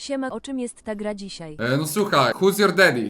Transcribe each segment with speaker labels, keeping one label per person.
Speaker 1: Siema, o czym jest ta gra dzisiaj?
Speaker 2: No słuchaj, who's your daddy?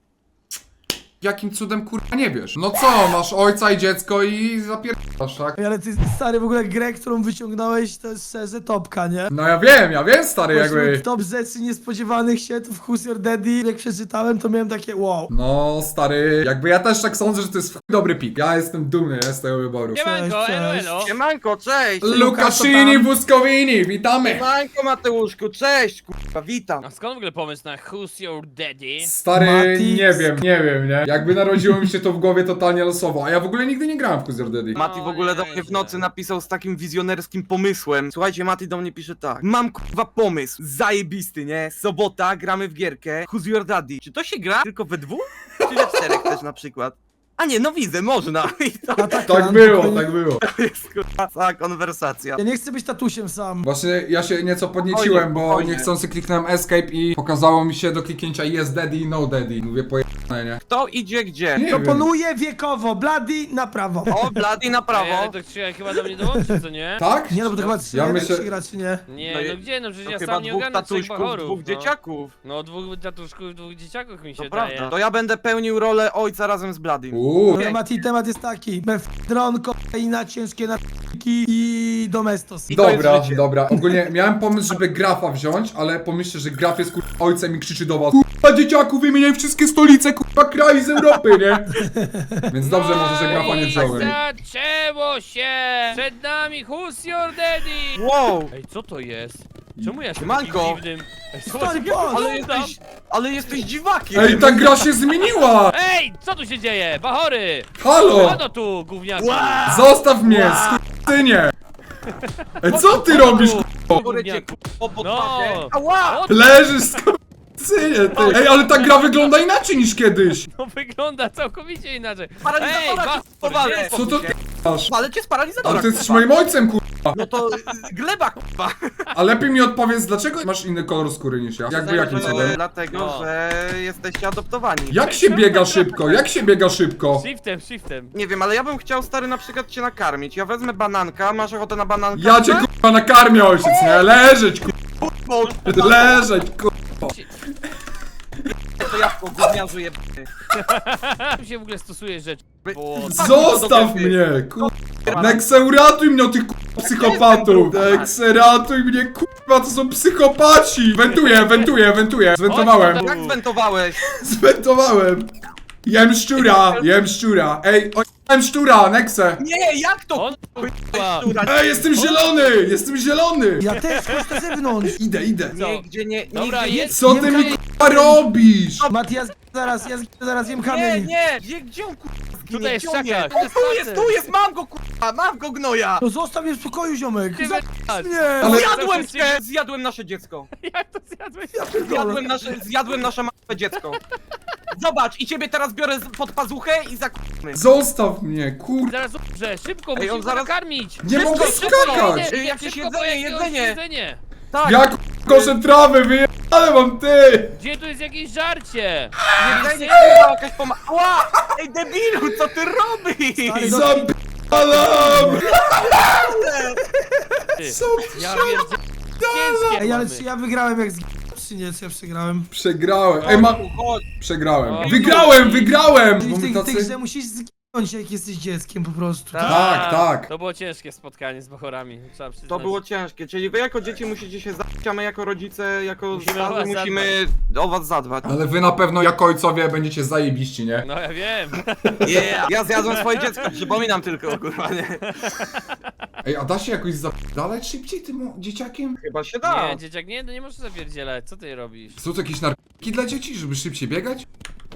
Speaker 2: Jakim cudem kurwa nie wiesz? No co, masz ojca i dziecko i zapierdasz, tak?
Speaker 3: Ale ty, stary, w ogóle grę, którą wyciągnąłeś, to jest szczerze topka, nie?
Speaker 2: No ja wiem stary jakby.
Speaker 3: Top rzeczy niespodziewanych się, to w Who's Your Daddy, jak przeczytałem, to miałem takie wow.
Speaker 2: No stary, jakby ja też tak sądzę, że to jest w chuj dobry pik. Ja jestem dumny z tego wyboru.
Speaker 4: Siemanko,
Speaker 3: Cześć,
Speaker 4: elo,
Speaker 3: cześć.
Speaker 4: elo.
Speaker 5: Siemanko, cześć!
Speaker 2: Lukaszini Błyskowini, witamy!
Speaker 5: Siemanko Mateuszku, cześć, kurwa, witam!
Speaker 4: A skąd w ogóle pomysł na Who's Your Daddy?
Speaker 2: Stary,
Speaker 3: Mati.
Speaker 2: nie wiem, nie? Jakby narodziło mi się to w głowie totalnie losowo, a ja w ogóle nigdy nie grałem w Who's Your Daddy.
Speaker 5: Mati w ogóle do mnie w nocy napisał z takim wizjonerskim pomysłem. Słuchajcie, Mati do mnie pisze tak. Mam kurwa pomysł, zajebisty, nie? Sobota, gramy w gierkę. Who's Your Daddy? Czy to się gra tylko we dwóch? Czy we czterech też na przykład? A nie, no widzę, można. I to
Speaker 2: Tak było, tak było.
Speaker 5: jest kurwa cała konwersacja.
Speaker 3: Ja nie chcę być tatusiem sam.
Speaker 2: Właśnie ja się nieco podnieciłem, bo
Speaker 5: Spokojnie.
Speaker 2: niechcący kliknąłem escape i pokazało mi się do kliknięcia yes daddy i no daddy. Mówię pojebane, nie?
Speaker 5: Kto idzie gdzie?
Speaker 2: Nie wiem.
Speaker 3: Proponuję wiekowo, Bloody na prawo.
Speaker 5: O, Blady na
Speaker 4: Ej,
Speaker 5: prawo.
Speaker 4: ale to trzeba chyba do mnie dołączyć, co nie?
Speaker 2: Tak?
Speaker 3: Nie no, bo to chyba trzy,
Speaker 2: Ja
Speaker 3: ja
Speaker 2: myślę-
Speaker 3: gra, czy nie?
Speaker 4: Nie,
Speaker 5: No
Speaker 4: no gdzie, no przecież
Speaker 5: To
Speaker 4: ja
Speaker 5: chyba
Speaker 4: sam nie
Speaker 5: dwóch
Speaker 4: ogarnę trzech
Speaker 5: tatuśków,
Speaker 4: bachorów.
Speaker 5: dwóch dzieciaków.
Speaker 4: No dwóch tatuszków, dwóch dzieciaków mi się
Speaker 5: To
Speaker 4: daje.
Speaker 5: prawda. To ja będę pełnił rolę ojca razem z Bladym.
Speaker 3: No, Mati, temat jest taki. Mefdron, kokaina, ciężkie narkotyki i domestos.
Speaker 5: I to jest
Speaker 2: Dobra,
Speaker 5: życie.
Speaker 2: dobra. Ogólnie miałem pomysł, żeby Grafa wziąć, ale pomyślcie, że Graf jest ojcem i krzyczy do was: kurwa dzieciaku, wymieniaj wszystkie stolice, kurwa kraj z Europy, nie? Więc dobrze może, że Grafa nie wziąłem.
Speaker 4: Zaczęło się! Przed nami Who's Your Daddy!
Speaker 5: Wow!
Speaker 4: Ej, co to jest? Czemu ja jestem
Speaker 5: Siemanko.
Speaker 4: takim dziwnym? Ej,
Speaker 3: Stary,
Speaker 4: jak
Speaker 3: patrz!
Speaker 4: wyglądam?
Speaker 5: Ale jesteś dziwakiem!
Speaker 2: Ej, ta gra się zmieniła!
Speaker 4: Ej, co tu się dzieje? Bachory!
Speaker 2: Halo!
Speaker 4: Co to tu, gówniaku?
Speaker 2: Zostaw mnie, skurczynie! Ej, co ty robisz,
Speaker 5: Górę cię o pod
Speaker 4: No.
Speaker 5: pachę. Ała!
Speaker 4: O,
Speaker 2: Leżysz, skurczynie, ty! Ej, ale ta gra wygląda inaczej niż kiedyś!
Speaker 4: to wygląda całkowicie inaczej.
Speaker 5: Paralizatora cię spowalę!
Speaker 2: Co to ty masz?
Speaker 5: Ale cię z paralizatora,
Speaker 2: Ale ty jesteś
Speaker 5: kurwa.
Speaker 2: moim ojcem, kurwa!
Speaker 5: No to gleba, kurwa!
Speaker 2: A lepiej mi odpowiedz, dlaczego masz inny kolor skóry niż ja? Jakby jakim cudem?
Speaker 5: Dlatego,
Speaker 4: No.
Speaker 5: że jesteście adoptowani.
Speaker 2: Jak się biega szybko? Jak się biega szybko?
Speaker 4: Shiftem.
Speaker 5: Nie wiem, ale ja bym chciał, stary, na przykład cię nakarmić. Ja wezmę bananka, masz ochotę na bananka?
Speaker 2: Ja cię kurwa nakarmię, ojciec, nie? Leżeć, kurwa! Leżeć, kurwa!
Speaker 5: To jabłko gówniarzu jebany.
Speaker 4: Tu się w ogóle stosuje rzeczy. Bo...
Speaker 2: Zostaw mnie, kurwa! Nexe, uratuj mnie od tych kurwa psychopatów! Nexe, ratuj mnie, kurwa, to są psychopaci! Wentuję! Zwentowałem!
Speaker 5: Jak zwentowałeś?
Speaker 2: Zwentowałem! Jem szczura! Ej, jem szczura, Nexe!
Speaker 5: Nie, jak to?
Speaker 4: On kurwa.
Speaker 2: Ej, jestem zielony!
Speaker 3: Ja też, chodź na zewnątrz.
Speaker 2: Idę.
Speaker 5: Nigdzie nie,
Speaker 4: Dobra,
Speaker 5: nigdzie
Speaker 4: jest.
Speaker 2: Co ty mi kurwa robisz?
Speaker 3: Mati, ja zaraz jem
Speaker 5: Nie,
Speaker 3: kamień.
Speaker 5: nie! Gdzie on kurwa zginie?
Speaker 4: Tutaj jest
Speaker 5: Gdzie on
Speaker 4: szakak,
Speaker 5: jest? O, tu jest, mam go kurwa, mam go gnoja!
Speaker 3: No zostaw mnie w spokoju, ziomek.
Speaker 4: Ty
Speaker 3: Zabij
Speaker 4: wypadł.
Speaker 3: mnie.
Speaker 2: Ale-
Speaker 5: Zjadłem cię! Zjadłem nasze dziecko!
Speaker 4: Jak to zjadłeś?
Speaker 5: Zjadłem nasze małe dziecko! Zobacz, i ciebie teraz biorę pod pazuchę i zakupmy.
Speaker 2: Zostaw mnie, kurwa!
Speaker 4: Zaraz umrze, szybko,
Speaker 5: Ej, on
Speaker 4: musimy
Speaker 5: zaraz-
Speaker 4: nakarmić!
Speaker 2: Nie mogę skakać!
Speaker 5: Jakieś
Speaker 4: Szybko,
Speaker 5: jedzenie. Tak,
Speaker 2: Ja koszę trawy, wyjebane mam, ty!
Speaker 4: Gdzie tu jest jakieś żarcie?
Speaker 5: jedzenie kurwa jakaś Ła! Ej debilu, co ty robisz?
Speaker 3: Stary,
Speaker 2: Zapalam!
Speaker 4: Ty,
Speaker 2: Co
Speaker 4: ja pierdzie... Ciężkie
Speaker 3: Ej, ale
Speaker 4: mamy.
Speaker 3: czy ja wygrałem jak czy nie, czy ja przegrałem?
Speaker 2: Przegrałem. Ej,
Speaker 5: Chodź.
Speaker 2: przegrałem.
Speaker 4: O,
Speaker 2: Wygrałem!
Speaker 3: Czyli
Speaker 2: Bo
Speaker 3: w
Speaker 2: my
Speaker 3: tej
Speaker 2: tacy...
Speaker 3: grze musisz zginąć, jak jesteś dzieckiem po prostu.
Speaker 2: Tak.
Speaker 4: To było ciężkie spotkanie z bachorami, trzeba przyznać.
Speaker 5: To było ciężkie, czyli wy jako dzieci musicie się zabić, a my jako rodzice, jako
Speaker 4: Musimy
Speaker 5: starzy
Speaker 4: o was
Speaker 5: musimy o was zadbać.
Speaker 2: Ale wy na pewno jako ojcowie będziecie zajebiści, nie?
Speaker 4: No ja wiem.
Speaker 5: Yeah. Ja zjadłem swoje dziecko, przypominam tylko, kurwa, nie?
Speaker 2: Ej, a da się jakoś zapadalać szybciej tym dzieciakiem?
Speaker 5: Chyba się da.
Speaker 4: Nie, dzieciak, nie możesz zapierdzielać, co ty robisz?
Speaker 2: Są to jakieś narkotyki dla dzieci, żeby szybciej biegać?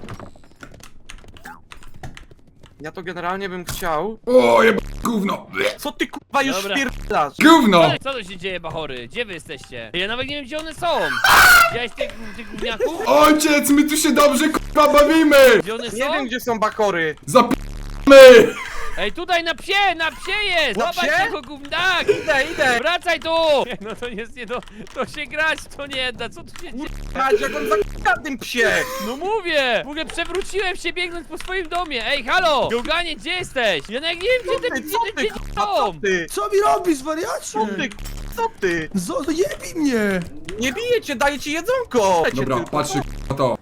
Speaker 5: Ja to generalnie bym chciał.
Speaker 2: O, gówno!
Speaker 5: Co ty kurwa już
Speaker 4: Dobra.
Speaker 5: wpierdasz?
Speaker 2: Gówno!
Speaker 4: Co tu się dzieje, bachory? Gdzie wy jesteście? Ja nawet nie wiem, gdzie one są. Widziałeś tych gówniaków?
Speaker 2: Ojciec, my tu się dobrze kurwa bawimy!
Speaker 4: Gdzie one są?
Speaker 5: Nie wiem gdzie są bakory.
Speaker 2: Zapijmy!
Speaker 4: Ej, tutaj na psie jest!
Speaker 5: Na
Speaker 4: Zobacz
Speaker 5: psie?
Speaker 4: tego gówniak!
Speaker 5: Idę.
Speaker 4: Wracaj tu! No to jest nie to się grać to nie da, co tu się dzieje?
Speaker 5: Patrz jak on za tym psie.
Speaker 4: No mówię! W ogóle przewróciłem się biegnąc po swoim domie! Ej, halo! Gałganie, gdzie jesteś? Ja nawet nie wiem, gdzie te
Speaker 5: Co ty,
Speaker 4: dzieci
Speaker 5: kurwa, co
Speaker 4: są!
Speaker 5: ty?
Speaker 3: Co mi robisz, wariacie?
Speaker 5: Co ty Co ty?
Speaker 3: No jebij mnie!
Speaker 5: Nie biję cię, daję ci jedzonko!
Speaker 2: Dobra, patrzcie na to.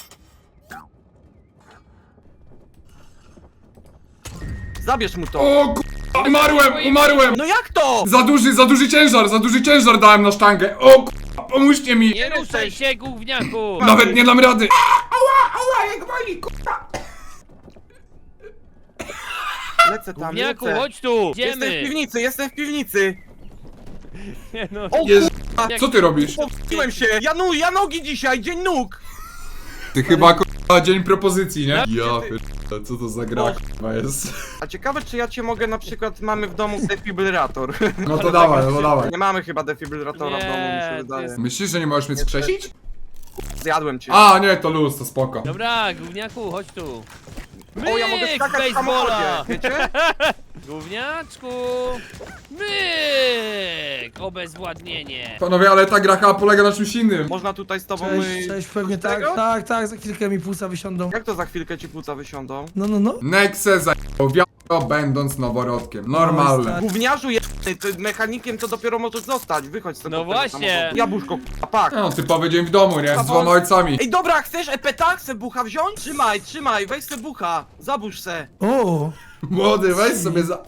Speaker 5: Zabierz mu to.
Speaker 2: O umarłem!
Speaker 5: No jak to?
Speaker 2: Za duży ciężar dałem na sztangę. O pomóżcie mi!
Speaker 4: Nie ruszaj się, gówniaku!
Speaker 2: Nawet nie dam rady! Ała, jak boli,
Speaker 5: Lecę tam,
Speaker 4: Gówniaku,
Speaker 5: lecę.
Speaker 4: chodź tu!
Speaker 5: Jestem w
Speaker 4: Idziemy!
Speaker 5: piwnicy!
Speaker 4: Nie no,
Speaker 5: O
Speaker 2: Jezu,
Speaker 5: kurwa,
Speaker 2: co ty robisz?
Speaker 5: powstyłem się! Ja nogi dzisiaj, dzień nóg!
Speaker 2: Ty chyba dzień propozycji, nie? Ja
Speaker 5: ty-
Speaker 2: pierdolę, co to za gra k***a jest?
Speaker 5: A ciekawe, czy ja cię mogę na przykład, mamy w domu defibrylator.
Speaker 2: No to dawaj, no dawaj.
Speaker 5: Nie mamy chyba defibrylatora w domu, mi się
Speaker 4: Nie, to
Speaker 5: wydaje.
Speaker 4: jest-
Speaker 2: Myślisz, że nie możesz mnie skrzesić?
Speaker 5: Zjadłem cię.
Speaker 2: A, nie, to luz, to spoko.
Speaker 4: dobra, gówniaku, chodź tu!
Speaker 5: O, ja mogę
Speaker 4: Myk,
Speaker 5: skakać w
Speaker 4: basebola!
Speaker 5: samochodzie, wiecie?
Speaker 4: Gówniaczku! Myk! Obezwładnienie!
Speaker 2: Panowie, ale ta gra chyba polega na czymś innym.
Speaker 5: Można tutaj z tobą...
Speaker 3: Cześć, pewnie tak,
Speaker 5: Tego?
Speaker 3: tak, za chwilkę mi płuca wysiądą.
Speaker 5: Jak to za chwilkę ci płuca wysiądą?
Speaker 3: No.
Speaker 2: Nexe zajebał wiadro, będąc noworodkiem. Normalne.
Speaker 5: Gówniarzu jebany, ty mechanikiem to dopiero możesz zostać, wychodź z tego
Speaker 4: No właśnie.
Speaker 5: samochodu. Jabłuszko, k***a, pak.
Speaker 2: No, typowy dzień w domu, nie? Z dwoma ojcami.
Speaker 5: Ej, dobra, chcesz epeta? Chcę bucha wziąć? Trzymaj, weź se bucha, zabórz se.
Speaker 3: O!
Speaker 2: Młody, weź sobie za...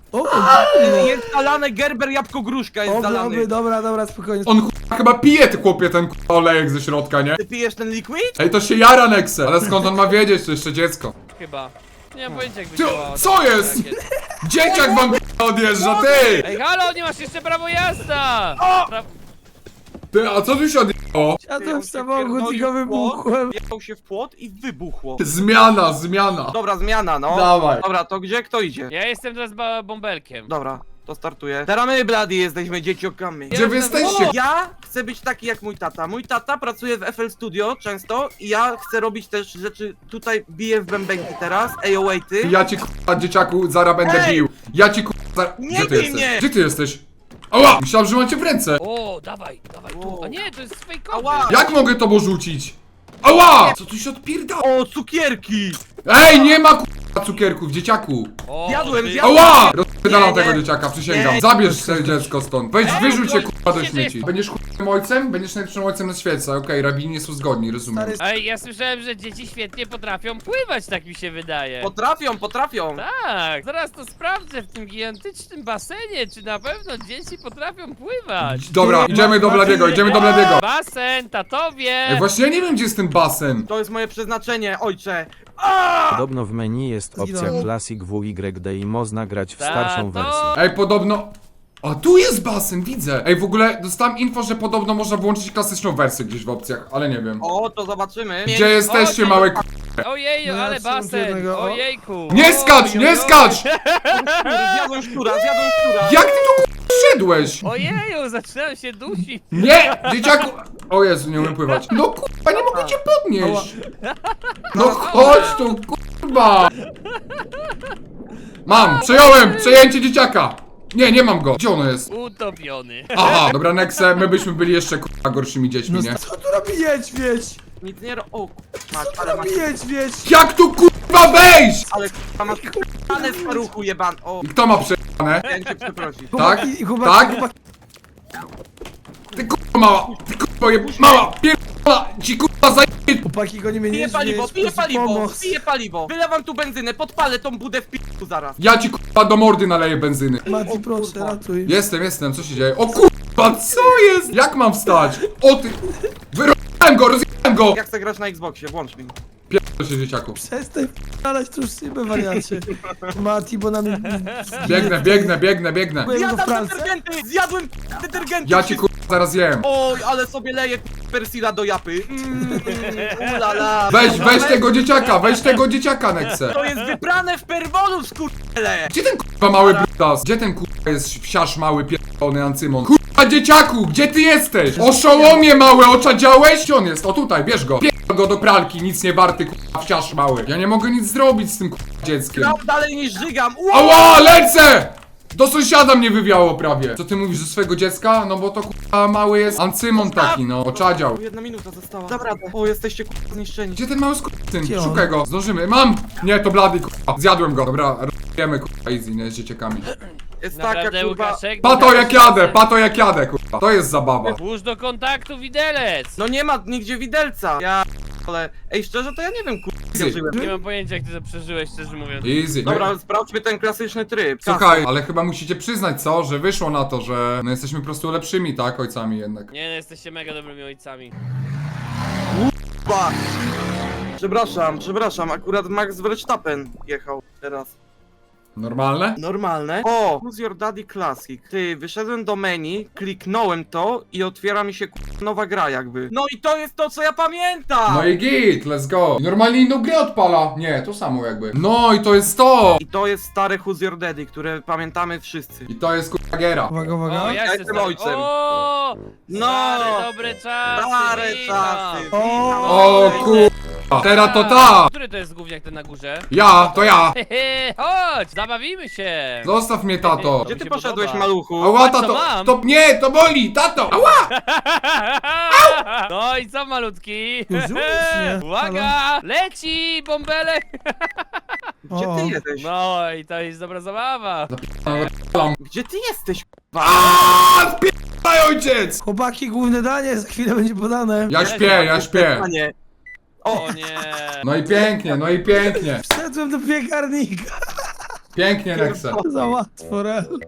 Speaker 5: Jest zalane Gerber jabłko gruszka, jest zalany.
Speaker 3: Dobra, spokojnie.
Speaker 2: On chyba pije, ty chłopie, ten olejek ze środka, nie?
Speaker 5: Ty pijesz ten liquid?
Speaker 2: Ej, to się jara Nexe. Ale skąd on ma wiedzieć, to jeszcze dziecko?
Speaker 4: Chyba. Nie mam pojęcia jakby
Speaker 2: Ty,
Speaker 4: działało.
Speaker 2: co jest? Dzieciak wam odjeżdża, ty!
Speaker 4: Ej, halo, nie masz jeszcze prawo jazda!
Speaker 2: Ty, a co tu się odjechało?
Speaker 3: Siadłem w samochód i go wybuchłem.
Speaker 5: Jechał się w płot i wybuchło.
Speaker 2: Zmiana.
Speaker 5: Dobra, zmiana, no.
Speaker 2: Dawaj.
Speaker 5: Dobra, to gdzie kto idzie?
Speaker 4: Ja jestem teraz bąbelkiem.
Speaker 5: Dobra, to startuję. Teraz my, Blady, jesteśmy dzieciokami.
Speaker 2: Gdzie wy jesteście?
Speaker 5: Ja chcę być taki jak mój tata. Mój tata pracuje w FL Studio często i ja chcę robić też rzeczy, tutaj biję w bębenki teraz, AOA-ty.
Speaker 2: Ja ci k***a dzieciaku zaraz będę
Speaker 5: Ej!
Speaker 2: bił. Ja ci k***a zaraz...
Speaker 5: Nie
Speaker 2: Gdzie ty
Speaker 5: bij
Speaker 2: jesteś?
Speaker 5: mnie!
Speaker 2: Gdzie ty jesteś? Ała! Myślałem, że macie w ręce.
Speaker 4: O, dawaj tu. A nie, to jest fejkowy.
Speaker 5: Ała!
Speaker 2: Jak mogę to rzucić? Ała! Co tu się odpierda?
Speaker 5: O, cukierki!
Speaker 2: Ej, nie ma k***a cukierków, dzieciaku.
Speaker 4: O,
Speaker 5: Jadłem,
Speaker 4: ty-
Speaker 5: zjadłem.
Speaker 2: Ała! Rozpierdalam
Speaker 5: Nie,
Speaker 2: tego
Speaker 5: nie.
Speaker 2: dzieciaka, przysięgam.
Speaker 5: Nie.
Speaker 2: Zabierz sobie dziecko stąd. Weź, wyrzuć się k***a do
Speaker 4: Gdzie ty
Speaker 2: śmieci. Będziesz k***ym ojcem? Będziesz najlepszym ojcem na świecie. Okej, rabini nie są zgodni, rozumiem.
Speaker 3: Stary,
Speaker 4: Ej, ja słyszałem, że dzieci świetnie potrafią pływać, tak mi się wydaje.
Speaker 5: Potrafią.
Speaker 4: Tak, zaraz to sprawdzę w tym gigantycznym basenie, czy na pewno dzieci potrafią pływać.
Speaker 2: Dobra, idziemy do Bladiego, idziemy do Bladiego.
Speaker 4: Basen, tatowie!
Speaker 2: Ej, właśnie ja nie wiem, gdzie jest ten basen.
Speaker 5: To jest moje przeznaczenie, ojcze.
Speaker 6: Podobno w menu jest opcja
Speaker 3: Zginąłem.
Speaker 6: Classic WYD i można grać w
Speaker 4: Tato!
Speaker 6: starszą wersję.
Speaker 2: Ej, podobno... A tu jest basen, widzę. Ej, w ogóle dostałem info, że podobno można włączyć klasyczną wersję gdzieś w opcjach, ale nie wiem.
Speaker 5: O, to zobaczymy.
Speaker 2: Gdzie jesteście,
Speaker 4: O,
Speaker 2: małe k...
Speaker 4: Ojeju,
Speaker 3: No,
Speaker 4: ale
Speaker 3: trzymam
Speaker 4: basen!
Speaker 3: jednego, o.
Speaker 4: Ojejku!
Speaker 2: Nie skacz, nie skacz!
Speaker 5: Zjadłem szczura.
Speaker 2: Jak ty tu k... szedłeś?
Speaker 4: Ojeju, zaczynam się dusić!
Speaker 2: Nie, dzieciaku! O Jezu, nie umiem pływać. No kurwa, nie mogę cię podnieść. No chodź tu, kurwa. Mam, przejąłem, przejęcie dzieciaka. Nie mam go. Gdzie ono jest?
Speaker 4: Utopiony.
Speaker 2: Aha, dobra, Nexe, my byśmy byli jeszcze kurwa gorszymi dziećmi,
Speaker 3: no
Speaker 2: nie?
Speaker 3: co tu robi niedźwiedź?
Speaker 5: Nic nie ro... O,
Speaker 3: Co
Speaker 5: masz,
Speaker 3: tu
Speaker 5: ale masz...
Speaker 3: robi niedźwiedź?
Speaker 2: Jak tu kurwa wejść?
Speaker 5: Ale k***a, masz k***ane staruchu jeban. O,
Speaker 2: I kto ma przejane?
Speaker 5: chciałem cię przeprosić.
Speaker 2: Tak? Tak? Ty kurwa mała, ty kurwa mała, pierdolona, ci kurwa zajebie.
Speaker 3: Chłopaki goni mnie
Speaker 5: Piję
Speaker 3: niedźwiedź,
Speaker 5: paliwo, piję
Speaker 3: proszę
Speaker 5: paliwo,
Speaker 3: pomoc.
Speaker 5: piję paliwo. Wylewam tu benzynę, podpalę tą budę w p***u zaraz.
Speaker 2: Ja ci kurwa do mordy naleję benzyny.
Speaker 3: Mati, proszę,
Speaker 5: kurwa.
Speaker 3: ratuj.
Speaker 2: Jestem, co się dzieje? O kurwa, co jest? Jak mam wstać? O ty... rozjechałem go!
Speaker 5: Jak chcę grać na Xboxie, włącz mi.
Speaker 2: Pierdol się, dzieciaku.
Speaker 3: Przestań p***alać tu szybę, wariacie. Mati, bo na mnie...
Speaker 2: Biegnę.
Speaker 3: Byłem go w
Speaker 5: Zjadam
Speaker 3: pralce.
Speaker 5: detergenty, zjadłem detergenty.
Speaker 2: Ja ci kurwa zaraz jem.
Speaker 5: Oj, ale sobie leję persila do japy. Ulala.
Speaker 2: Weź tego dzieciaka, Nexe.
Speaker 5: To jest wyprane w perwolu, skurczele.
Speaker 2: Gdzie ten kurwa mały brutas? Gdzie ten kurwa jest wsiarz mały pierdolony Ancymon? Kurwa dzieciaku, gdzie ty jesteś? Oszołomie mały, oczadziałeś? Gdzie on jest? O tutaj, bierz go. Pierdol go do pralki, nic nie warty kurwa wsiarz mały. Ja nie mogę nic zrobić z tym kurwa dzieckiem.
Speaker 5: Grał dalej niż żygam.
Speaker 2: Ała, lecę! Do sąsiada mnie wywiało prawie. Co ty mówisz, że swojego dziecka? No bo to kurwa mały jest Ancymon taki, no, oczadział.
Speaker 5: 1 minuta została. Dobra. O, jesteście kurwa zniszczeni.
Speaker 2: Gdzie ten mały skurczyn?
Speaker 3: Gdzie on?
Speaker 2: Szukaj go, zdążymy. Mam! Nie, to Blady kurwa. Zjadłem go. Dobra, robimy kurwa easy, nie, z dzieciakami.
Speaker 5: Jest taka
Speaker 4: Naprawdę,
Speaker 5: kurwa...
Speaker 4: Łukaszek?
Speaker 2: Pato jak jadę, pato jak jadę, kurwa. To jest zabawa.
Speaker 4: Włóż do kontaktu widelec!
Speaker 5: No nie ma nigdzie widelca. Ja... Ale... Ej, szczerze to ja nie wiem kurwa, jak ja żyłem.
Speaker 4: Nie mam pojęcia, jak ty to przeżyłeś, szczerze mówiąc.
Speaker 2: Easy.
Speaker 5: Dobra, sprawdźmy ten klasyczny tryb.
Speaker 2: Słuchaj, ale chyba musicie przyznać, co? Że wyszło na to, że no jesteśmy po prostu lepszymi, tak? Ojcami jednak.
Speaker 4: Nie, no, jesteście mega dobrymi ojcami.
Speaker 5: Kurwa. Przepraszam, akurat Max Verstappen jechał teraz.
Speaker 2: Normalne?
Speaker 5: Normalne. O, Who's Your Daddy Classic. Ty, wyszedłem do menu, kliknąłem to i otwiera mi się nowa gra jakby. No i to jest to, co ja pamiętam!
Speaker 2: No i git, let's go. Normalnie inną grę odpala. Nie, to samo jakby. No i to jest to!
Speaker 5: I to jest stare Who's Your Daddy, które pamiętamy wszyscy.
Speaker 2: I to jest kurwa giera.
Speaker 3: Uwaga,
Speaker 4: O,
Speaker 3: uwaga.
Speaker 4: ja
Speaker 5: jestem ojcem.
Speaker 4: O,
Speaker 5: No.
Speaker 4: stare, dobre czasy.
Speaker 5: Stare
Speaker 4: witam.
Speaker 5: czasy.
Speaker 2: O kurwa. Teraz to ta!
Speaker 4: Który to jest gówniak ten na górze?
Speaker 2: Ja, to ja.
Speaker 4: Hehe, chodź, zabawimy się.
Speaker 2: Zostaw mnie, tato.
Speaker 5: Gdzie
Speaker 4: mi
Speaker 5: ty
Speaker 4: się
Speaker 5: poszedłeś,
Speaker 4: podoba.
Speaker 5: maluchu?
Speaker 2: Ała,
Speaker 4: co
Speaker 2: tato.
Speaker 4: mam?
Speaker 2: To nie, to boli, tato. Ała!
Speaker 4: No i co malutki?
Speaker 3: Już, nie?
Speaker 4: Uwaga, leci bąbelek.
Speaker 5: Gdzie
Speaker 3: O.
Speaker 5: ty jesteś?
Speaker 4: No i to jest dobra zabawa.
Speaker 5: Gdzie ty jesteś?
Speaker 2: Aaaa, spierdaj, ojciec!
Speaker 3: Chłopaki, główne danie za chwilę będzie podane.
Speaker 2: Ja śpię.
Speaker 5: Panie.
Speaker 4: O nie.
Speaker 2: No i pięknie, no i pięknie.
Speaker 3: Wszedłem do piekarnika.
Speaker 2: Pięknie, Nexe.
Speaker 3: Za łatwo, rel.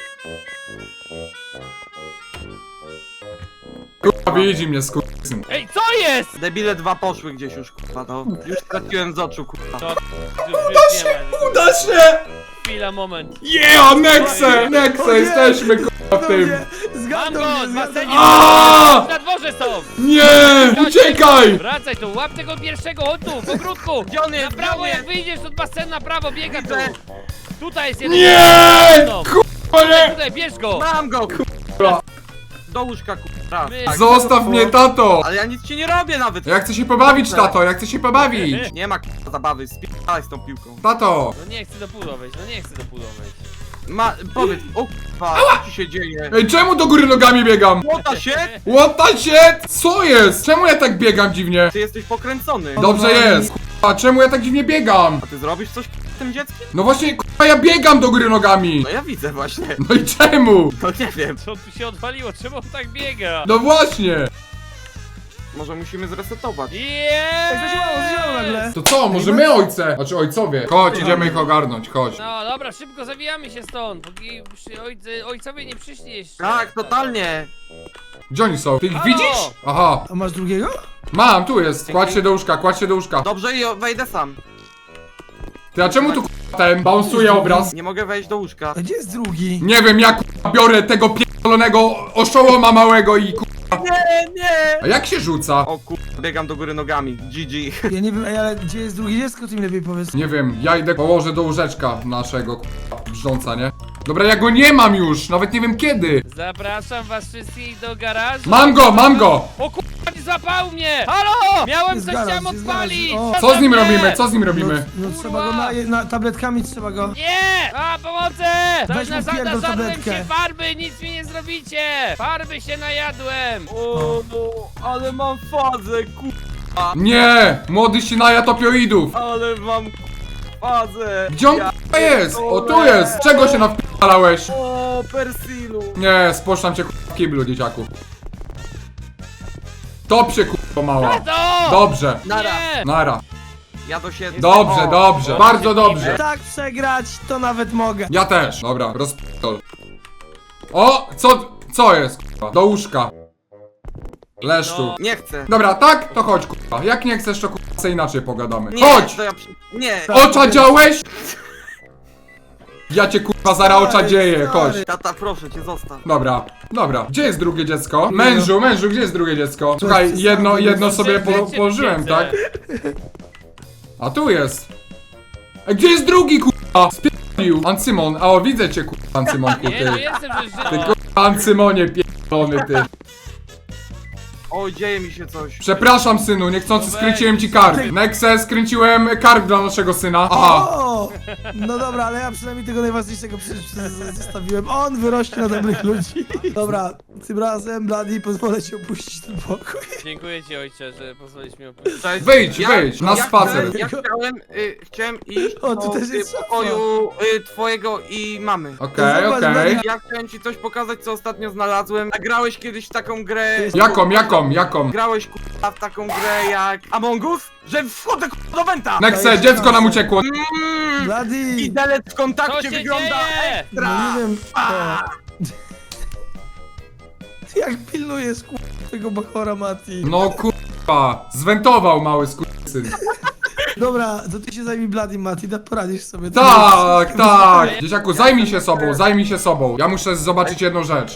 Speaker 2: Kurwa, widzi mnie, skurwysyn.
Speaker 4: Ej, co jest?
Speaker 5: Debile dwa poszły gdzieś już, kurwa, to. Już straciłem z oczu, kurwa.
Speaker 4: To, uda się,
Speaker 2: Uda się!
Speaker 4: Chwila, moment.
Speaker 2: Yeah, Nexe! Nexe, jesteśmy kurwa w tym.
Speaker 4: Mam
Speaker 3: Zgadnął
Speaker 4: go,
Speaker 3: mnie,
Speaker 4: z
Speaker 3: zgadnął
Speaker 4: basenie.
Speaker 3: mnie.
Speaker 2: Aaaa!
Speaker 4: Na dworze są.
Speaker 2: Nie! Uciekaj!
Speaker 4: Wracaj tu, łap tego pierwszego, chodź tu, w ogródku.
Speaker 5: Gdzie on jest?
Speaker 4: Na
Speaker 5: Gdzie
Speaker 4: prawo,
Speaker 5: on
Speaker 4: jak
Speaker 5: jest?
Speaker 4: wyjdziesz od basenu, na prawo, biega tu.
Speaker 5: Widzę.
Speaker 4: Tutaj jest jeden.
Speaker 2: Nie!
Speaker 4: No.
Speaker 2: Kurwa, nie!
Speaker 4: Tutaj, bierz go.
Speaker 5: Mam go, kurwa. Do łóżka, kurwa.
Speaker 4: My-
Speaker 5: Tak.
Speaker 2: Zostaw mnie, tato!
Speaker 5: Ale ja nic ci nie robię nawet.
Speaker 2: Ja chcę się pobawić, tato, ja chcę się pobawić!
Speaker 5: Nie ma kurwa zabawy, spierdalaj z tą piłką.
Speaker 2: Tato!
Speaker 4: No nie chcę do pudła wejść, no nie chcę do pudła wejść.
Speaker 5: Powiedz, o kurwa, co ci się dzieje?
Speaker 2: Ej, czemu do góry nogami biegam?
Speaker 5: Łota się?
Speaker 2: What the shit? Co jest? Czemu ja tak biegam dziwnie?
Speaker 5: Ty jesteś pokręcony.
Speaker 2: Dobrze jest, kurwa, czemu ja tak dziwnie biegam?
Speaker 5: A ty zrobisz coś z tym dzieckiem?
Speaker 2: No właśnie, kurwa, ja biegam do góry nogami!
Speaker 5: No ja widzę właśnie.
Speaker 2: No i czemu?
Speaker 5: No nie wiem.
Speaker 4: Co tu się odwaliło? Czemu on tak biega?
Speaker 2: No właśnie!
Speaker 5: Może musimy zresetować.
Speaker 3: Zadziałało nagle.
Speaker 2: To co, może my ojce? Znaczy ojcowie. Chodź, idziemy ich ogarnąć, chodź.
Speaker 4: No dobra, szybko zawijamy się stąd, póki ojcowie nie przyszli jeszcze.
Speaker 5: Tak, totalnie.
Speaker 2: Gdzie oni są? Ty ich
Speaker 4: Halo!
Speaker 2: widzisz? Aha,
Speaker 3: A masz drugiego?
Speaker 2: mam, tu jest. Kładź się do łóżka, kładź się do łóżka.
Speaker 5: Dobrze i wejdę sam.
Speaker 2: Ty, a czemu tu kurwa, ten bounsuje obraz?
Speaker 5: Nie mogę wejść do łóżka.
Speaker 3: A gdzie jest drugi?
Speaker 2: Nie wiem, ja kurwa, biorę tego pierdolonego oszołoma małego i kurwa.
Speaker 5: Nie!
Speaker 2: A jak się rzuca?
Speaker 5: O kurwa, biegam do góry nogami. GG.
Speaker 3: Ja nie wiem, ej, ale gdzie jest drugie dziecko, ty mi lepiej powiedz.
Speaker 2: Nie wiem, ja idę położę do łóżeczka naszego kurwa, brzdąca, nie? Dobra, ja go nie mam już, nawet nie wiem kiedy.
Speaker 4: Zapraszam was wszystkich do garażu.
Speaker 2: Mam go, mam go!
Speaker 4: O kurwa, nie złapał mnie! Halo! Miałem
Speaker 3: Jest
Speaker 4: coś,
Speaker 3: garaż,
Speaker 4: chciałem
Speaker 3: jest
Speaker 4: odpalić!
Speaker 3: garaż. O.
Speaker 2: Co z nim
Speaker 4: za mnie?
Speaker 2: robimy? Co z nim robimy?
Speaker 3: No trzeba go na tabletkami trzeba go.
Speaker 4: Nie! A, pomocy!
Speaker 3: Weź mu pierdol
Speaker 4: Nażarłem
Speaker 3: tabletkę.
Speaker 4: się farby, nic mi nie zrobicie! Farby się najadłem!
Speaker 5: O, ale mam fazę, kurwa.
Speaker 2: Nie! Młody się najadł opioidów!
Speaker 5: Ale mam fazę.
Speaker 2: Gdzie on kurwa jest? O, tu jest! Czego się nawpalałeś?
Speaker 5: O, Persilu.
Speaker 2: Nie, spocztam cię kurwa w kiblu, dzieciaku. Top się kurwa mała.
Speaker 4: Tato!
Speaker 2: Dobrze.
Speaker 5: Nara.
Speaker 4: Nie!
Speaker 2: Nara.
Speaker 5: Ja to się...
Speaker 2: Dobrze,
Speaker 5: O,
Speaker 2: dobrze. Bardzo dobrze.
Speaker 3: Tak przegrać, to nawet mogę.
Speaker 2: Ja też. Dobra, rozpitol. O! Co jest kurwa? Do łóżka. Leż tu.
Speaker 4: No.
Speaker 5: Nie chcę.
Speaker 2: Dobra, tak? To chodź kurwa. Jak nie chcesz, to kurwa se inaczej pogadamy.
Speaker 5: Nie,
Speaker 2: Chodź!
Speaker 5: To ja nie.
Speaker 2: Oczadziałeś? Ja cię kurwa zara oczadzieję, chodź.
Speaker 5: Tata, proszę cię, zostaw.
Speaker 2: Dobra, dobra. Gdzie jest drugie dziecko? Mężu, gdzie jest drugie dziecko? Słuchaj,
Speaker 3: jest
Speaker 2: jedno
Speaker 3: sam,
Speaker 2: sobie
Speaker 4: Wiecie,
Speaker 2: położyłem,
Speaker 4: wiecie.
Speaker 2: tak? A tu jest. Gdzie jest drugi kurwa? Spierdolił. Ancymon, a o widzę cię kurwa, Ancymonku,
Speaker 4: Nie, no
Speaker 2: ty.
Speaker 4: jestem, że
Speaker 2: Ty kurwa, Ancymonie pierdolony, ty.
Speaker 5: Oj, dzieje mi się coś.
Speaker 2: Przepraszam, synu, niechcący
Speaker 4: No weź.
Speaker 2: skręciłem ci kark. Nexe, skręciłem kark dla naszego syna. Aha.
Speaker 3: O! No dobra, ale ja przynajmniej tego najważniejszego zostawiłem. On wyrośnie na dobrych ludzi. Dobra, tym razem, Bloody, pozwolę ci opuścić ten pokój.
Speaker 4: Dziękuję ci, ojcze, że pozwolisz mi opuścić.
Speaker 5: Cześć.
Speaker 2: Wyjdź, na spacer.
Speaker 5: Chciałem iść
Speaker 3: O, tu
Speaker 5: do
Speaker 3: też jest szafa.
Speaker 5: pokoju twojego i mamy.
Speaker 2: Okej,
Speaker 3: Zobacz,
Speaker 2: okej.
Speaker 3: Bloody.
Speaker 5: Ja chciałem ci coś pokazać, co ostatnio znalazłem. A grałeś kiedyś w taką grę...
Speaker 2: Jaką?
Speaker 5: Grałeś k***a w taką grę jak Among Us? Że wchodzę k***a do Wenta!
Speaker 2: Nexe, dziecko nam uciekło.
Speaker 3: Bloody!
Speaker 5: Widelec w
Speaker 4: Co
Speaker 5: kontakcie
Speaker 4: się
Speaker 5: wygląda
Speaker 4: dzieje?
Speaker 3: No nie wiem. Ty jak pilnujesz tego bachora, Mati?
Speaker 2: No kurwa, zwentował mały skurczysyn.
Speaker 3: Dobra, to ty się zajmij Bloody, Mati, poradzisz sobie.
Speaker 2: Tak. Dzieciaku, zajmij się sobą. Ja muszę zobaczyć jedną rzecz.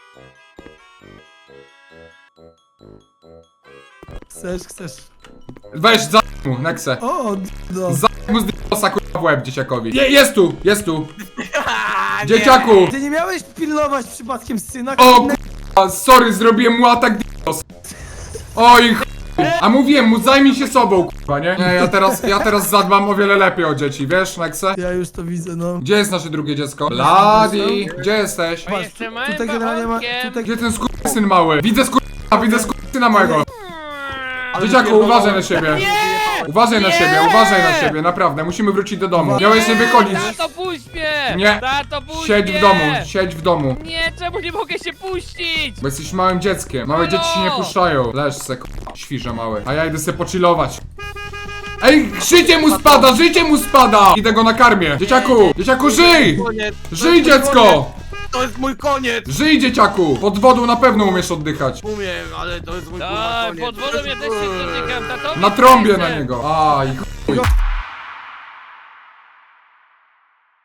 Speaker 3: Chcesz.
Speaker 2: Weź, za mu, Nexe.
Speaker 3: O, no.
Speaker 2: Za mu z d***osa kurwa w łeb dzieciakowi. jest tu.
Speaker 5: A, nie.
Speaker 2: Dzieciaku.
Speaker 3: Ty nie miałeś pilnować przypadkiem syna?
Speaker 2: O kurwa, sorry, zrobiłem mu atak d***os. Oj ch... A mówiłem mu, zajmij się sobą, kurwa, nie? Nie, ja teraz zadbam o wiele lepiej o dzieci, wiesz, Nexe?
Speaker 3: Ja już to widzę, no.
Speaker 2: Gdzie jest nasze drugie dziecko? Bloody, gdzie jesteś?
Speaker 4: A jeszcze małym
Speaker 3: Tutaj generalnie ma...
Speaker 4: bachorkiem.
Speaker 3: Tutaj...
Speaker 2: Gdzie ten skurczysyn mały? Widzę skurczysyna małego. Dzieciaku, uważaj na siebie. Uważaj na siebie, naprawdę, musimy wrócić do domu. Miałeś nie wychodzić.
Speaker 4: Tato, puść mnie!
Speaker 2: Nie.
Speaker 4: Tato, puść
Speaker 2: Siedź
Speaker 4: mnie!
Speaker 2: w domu.
Speaker 4: Nie, czemu nie mogę się puścić?
Speaker 2: Bo jesteś małym dzieckiem. Małe dzieci się nie puszczają. Leż se, świrze mały. A ja idę se pochillować. Ej, życie mu spada! Idę go nakarmię. Dzieciaku, żyj!
Speaker 5: Koniec.
Speaker 2: Żyj, dziecko!
Speaker 5: To jest mój koniec!
Speaker 2: Żyj, dzieciaku! Pod wodą na pewno umiesz oddychać.
Speaker 5: Umiem, ale to jest mój kurwa
Speaker 4: Tak,
Speaker 5: koniec.
Speaker 4: pod wodą ja też się dotykam, tato.
Speaker 2: Na trąbie na niego. Aj, chuj.